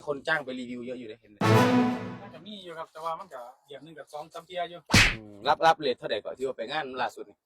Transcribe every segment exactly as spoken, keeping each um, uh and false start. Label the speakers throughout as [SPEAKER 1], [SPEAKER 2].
[SPEAKER 1] คนจ้างไปรีวิวเยอะอยู่เลยเห็นไหม
[SPEAKER 2] มันก็มีอยู่ครับแต่ว่ามันก็เดือนหนึ่งกับสองสามเที่ยอยู่
[SPEAKER 1] รับรับเรทเท่าไหร่ก่อนที่ว่าไปงานล่าสุดนี่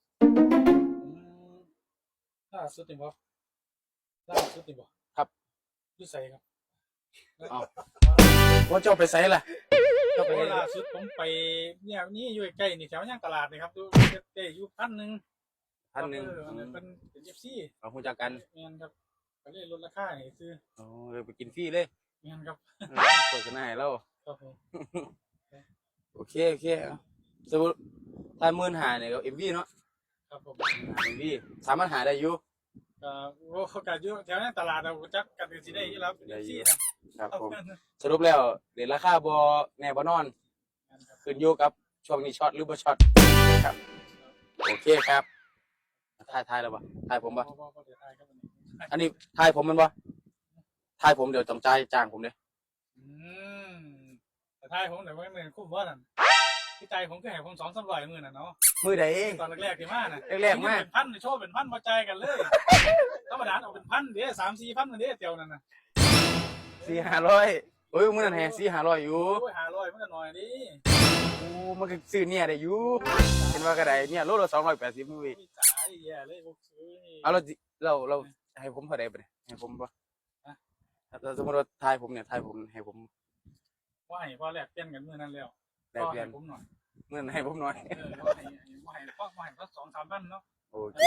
[SPEAKER 2] ล่าสุดนี่บ่ล่าสุดนี่บ่
[SPEAKER 1] ครับ
[SPEAKER 2] อยู่ไสครับ
[SPEAKER 1] อ๋อว่าเจ้าไปไสล่ะ
[SPEAKER 2] เจ้าไปล่าสุดผมไปเนี่ยนี่อยู่ใกล้นี่แถวย่างตลาดนี่ครับดูได้อยู่พันหนึ่ง
[SPEAKER 1] พันหนึ่ง
[SPEAKER 2] เป็นเป็นเอฟซี
[SPEAKER 1] เอาคุณจักกัน
[SPEAKER 2] เงี้ยครับก็เลยลดราคาให้ซื้อ
[SPEAKER 1] อ๋อเลยไปกินฟรีเลย
[SPEAKER 2] เงี้ยครับ
[SPEAKER 1] โฆษณาให้เรา
[SPEAKER 2] ครับผม
[SPEAKER 1] โอเคโอเคสมมติถ้าหมื่นหาเนี่ยก็เอ็มวีเนาะ
[SPEAKER 2] ครับผม
[SPEAKER 1] เอ็มวีสามารถหาได้อยู่
[SPEAKER 2] ก็โอ้ก็อยู่แถวนั้นตลาดเราจักกันสิได้อยู่แล้วเอฟซี
[SPEAKER 1] ครับผมสรุปแล้วเดี๋ยวราคาบ่แน่บ่นอนขึ้นอยู่กับช่วงนี้ช็อตหรือบ่ช็อตครับโอเคครับถ่ายถ่ายแล้วบ่ถ่ายผมบ่อันนี้ถ่ายผมมันบ่ถ่ายผมเดี๋ยวต้องจ่ายจ้างผมเด้
[SPEAKER 2] อืมแต่ถ่ายผมเดี๋ยวไม่เหมือนคุ้มบ่นั่นที่ใจผมก็ให้ผมสองสามร้อยมื้อน่ะเนาะ
[SPEAKER 1] มื้อใด
[SPEAKER 2] ตอนแรกๆที่มาน่ะ
[SPEAKER 1] แรกๆมา
[SPEAKER 2] เป็นพันโชว์เป็นพันบ่จ่ายกันเลยธรรมดาเอาเป็นพันเด้อ สามสี่พันนั่นเด้เตียวนั่นน่ะ
[SPEAKER 1] สี่ห้าร้อยโอ้ยมื้อนั้นแฮสี่ห้าร้อยอยู่
[SPEAKER 2] โอ้ยห้าร้อยมันก็น้อยดิ
[SPEAKER 1] โอ้มันก็ซื้อเนี่ยได้อยู่เห็นว่าก็ได้เนี่ยโลละสองร้อยแปดสิบมื้ออีก
[SPEAKER 2] จ่ายแย่เลยบ่ซื้อ
[SPEAKER 1] เอาเราเราเราให้ผมเท่าใดบ่เนี่ยให้ผมบ่ถ้าสมมุติว่าถ่ายผมเนี่ยถ่ายผมให้ผม
[SPEAKER 2] ว่าให้พอแลกเปลี่ยนกันมื้อนั้นแล้ว
[SPEAKER 1] แลกเปลี่ยน
[SPEAKER 2] ผมหน่อย
[SPEAKER 1] เงินให้ผมหน่อย
[SPEAKER 2] เออว่าให้ว่าให้พอว่าให้ก็ สองสามพันเนาะ
[SPEAKER 1] โอเค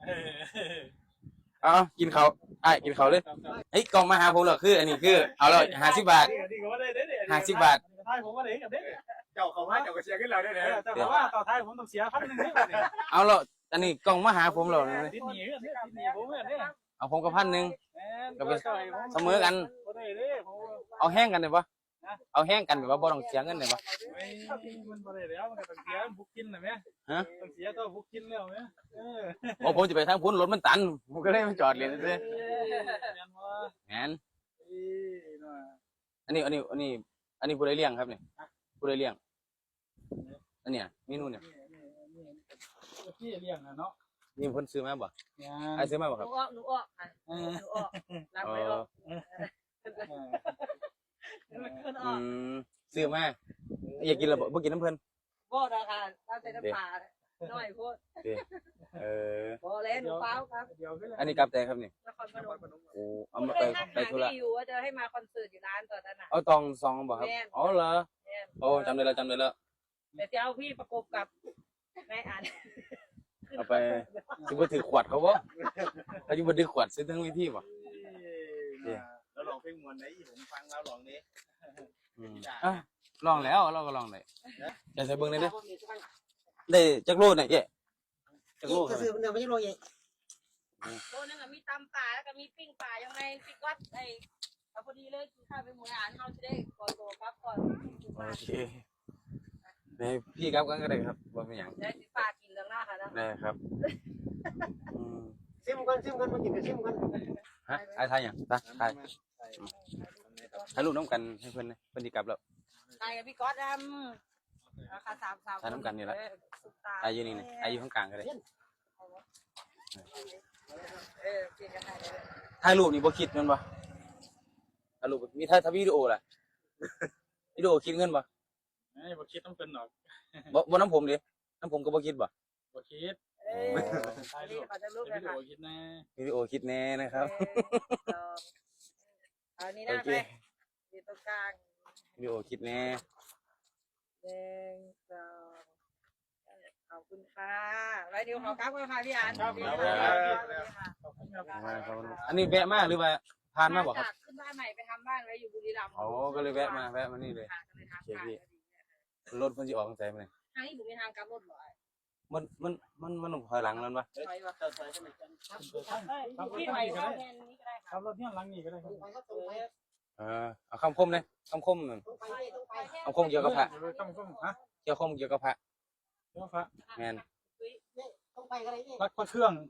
[SPEAKER 1] เอากินข้าวอ้ายกินข้าวเลยเฮ้ยกล่องมาหาผมเหรอคืออันนี้คือเอาเลยห้าสิบบาทห้าสิบบาท
[SPEAKER 2] ท้ายผมว่าได้กับเด้เจ้าเขาว่าเจ้าก็เสียขึ้นเราได้เลยแต่ว่าต่อท้ายผมต้องเสียพันหนึ่งให้บัดนี้
[SPEAKER 1] เอาแล้วอันนี้กล่องมาหาผมเหรอ
[SPEAKER 2] ติดหนี้ติดหนี้ผมเนี่ย
[SPEAKER 1] เอาผมกับพันหนึ่ง
[SPEAKER 2] ก็
[SPEAKER 1] เสมอกันเอาแห้งกันได้ปะเอาแห้งกันแบบว่าบ่ต้องเสียเงินได้ปะ
[SPEAKER 2] มันบ่ได้แล้วมันก็ต้องเสียบุกกินน่ะแม่
[SPEAKER 1] ฮะ
[SPEAKER 2] ต้องเสียต้องบุกกินแล้วแม่เออ
[SPEAKER 1] โอ้ผมจะไปทางพุ่นรถมันตันผมก็เลยมาจอดเลยซื่อแม่นอันนี้อันนี้อันนี้อันนี้ผู้ใดเลี้ยงครับเนี่ยผู้ใดเลี้ยงอันเนี้ยเมนูเนี่ย
[SPEAKER 2] พี่เลี้ยงนะเนาะ
[SPEAKER 1] นี่เพิ่นซื้อมาบ่ไอ้ซื้อมาบ่ครับ
[SPEAKER 3] หนูออกหนูออกค่ะหนูออกรับไปออก
[SPEAKER 1] อืมซื้อมาอยากกินแล้วบ่บ่กินน้ำเพิ่น
[SPEAKER 3] บ่ดอกค่ะเอาแต่น้ำปลาน้อยโพด
[SPEAKER 1] เออ
[SPEAKER 3] บ่แล้วหนูเปล่าครับ
[SPEAKER 1] อันนี้กลับแต่ครับนี่
[SPEAKER 3] นครพนม
[SPEAKER 1] โอ้เอามาไปไปธุระ
[SPEAKER 3] อยู่ว่าจะให้มาคอนเสิร์ตอยู่ร้านตอนนั้นน่ะ
[SPEAKER 1] เอาตองซองบ่ครับอ๋อเหรอโอ้จำได้แล้วจำได้แล้ว
[SPEAKER 3] แต่จะเอาพี่ประกบกับแม่อ่าน
[SPEAKER 1] เอาไปสิบ่ถือขวดเขาบ่เขาสิบ่ถือขวดซื้อทั้งวิธีบ่
[SPEAKER 2] แล้วลองเพลงมวนได้ผมฟังแล้วลองนี้
[SPEAKER 1] อ่ะลองแล้วเราก็ลองได้อยากใส่เบิ่งได้เด้อได้จักโลเนี่ยเอ๊ะจักโลครับ
[SPEAKER 3] ซื้อมันไม่ใช่โลใหญ่โลนึงอ่ะมีตำปลาแล้วก็มีปิ้งปลายังไงพี่ก๊อตไอ้เอาพอดีเลยกินข้าวไปหมู่อาหารเฮาสิได้ก่อนโตครับก่อน
[SPEAKER 1] โอเคได้พี่ครับกันก็ได้ครับบ่เป็นหยัง
[SPEAKER 3] ได้สิปลากินเรื่องหน้าค่ะ
[SPEAKER 1] ได้ครับอืม
[SPEAKER 3] ซิมกันซิมกันมากินกันซิมกัน
[SPEAKER 1] ฮะไอ้ทายหยังไปถ่ายถ่ายรูปน้ำกันให้เพิ่นนะเพิ่นสิกลับแล้ว
[SPEAKER 3] ถ่ายกับพี่ก๊อตดำราคาสามสาม
[SPEAKER 1] ถ่ายน้ำกันนี่แหละถ่ายอยู่นี่นี่ถ่ายอยู่ข้างกลางก็ได้ถ่ายรูปนี่บ่คิดเงินบ่ถ่ายรูปมีถ่ายวิดีโอล่ะวิดีโอคิดเงินบ่
[SPEAKER 2] เอ้ยบ่คิดต้องเป็นหรอก
[SPEAKER 1] บ่บ่น้ำผมดิน้ำผมก็บ่คิดบ่
[SPEAKER 2] บ่คิด
[SPEAKER 3] ถ่ายรูป
[SPEAKER 2] วิดีโอคิดแน่
[SPEAKER 1] วิดีโอคิดแน่นะครับ
[SPEAKER 3] เอานี้นะไปอยู่ตรงกลาง
[SPEAKER 1] วิดีโอคิดแน่
[SPEAKER 3] หนึ่งสองขอบคุณค่ะไว้เดี๋ยวขอกลับกันค่ะพี่อัน
[SPEAKER 2] ครับ
[SPEAKER 1] อันนี้แวะมาหรือว่าผ่านมาบ่ครับ
[SPEAKER 3] ขึ้นบ้านใหม่ไปทำบ้านไว้อยู่บุรีรัมย์
[SPEAKER 1] อ๋อก็เลยแวะมาแวะมานี่เลยโอเคพี่รถเพิ่นสิออกทางไสมื้อนี้
[SPEAKER 3] ทางนี้บ่มีทางกลับรถบ่
[SPEAKER 1] มันมันมันมันถอยหลังนั่นปะ
[SPEAKER 3] พี่ไปเข้าแทนนี้ก็ได้
[SPEAKER 2] ครับรถเนี่ยหลังนี้ก็ได้ครับ
[SPEAKER 1] เออเอาคำคมเลยคำคมหนึ่งคำคมเกี่ยวกับพระ
[SPEAKER 2] คำคมฮะ
[SPEAKER 1] เกี่ยวคมเกี่ยวกับพระ
[SPEAKER 2] เกี่ยวกับพระ
[SPEAKER 1] แมน
[SPEAKER 2] รักพระเครื่อง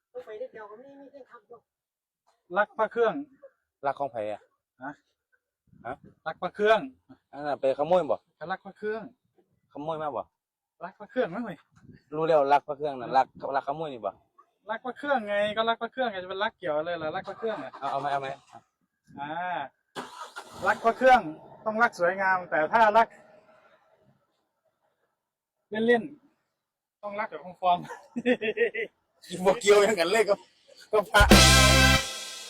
[SPEAKER 2] รักพระเครื่อง
[SPEAKER 1] รักของไผ่อะ
[SPEAKER 2] ฮะฮะรักพระเครื่อง
[SPEAKER 1] อันนั้นไปขโมยบ่
[SPEAKER 2] รักพระเครื่อง
[SPEAKER 1] ขโมยมาบ่
[SPEAKER 2] รักพระเครื่องมั้ยเว้ย
[SPEAKER 1] รู้แล้วรักพระเครื่องน่ะรักรักขโมยนี่บ่
[SPEAKER 2] รักพระเครื่องไงก็รักพระเครื่องไงจะเป็นรักเกี่ยวอะไรล่ะรักพระเครื่องอ่ะ
[SPEAKER 1] เอาเอาไหมเอาไหม
[SPEAKER 2] อ่ารักพระเครื่องต้องรักสวยงาม แต่ถ้ารัก เล่นๆต้องรักแบบฟอร์ม
[SPEAKER 1] บ่เกี่ยวหยังกันเลยก็ก็พระ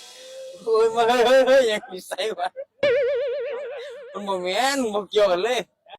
[SPEAKER 1] โอ้ยมาเฮ้ยเฮ้ยเฮ้ยยังมีใส่วะมันบ่แม่นบ่เกี่ยวกันเลย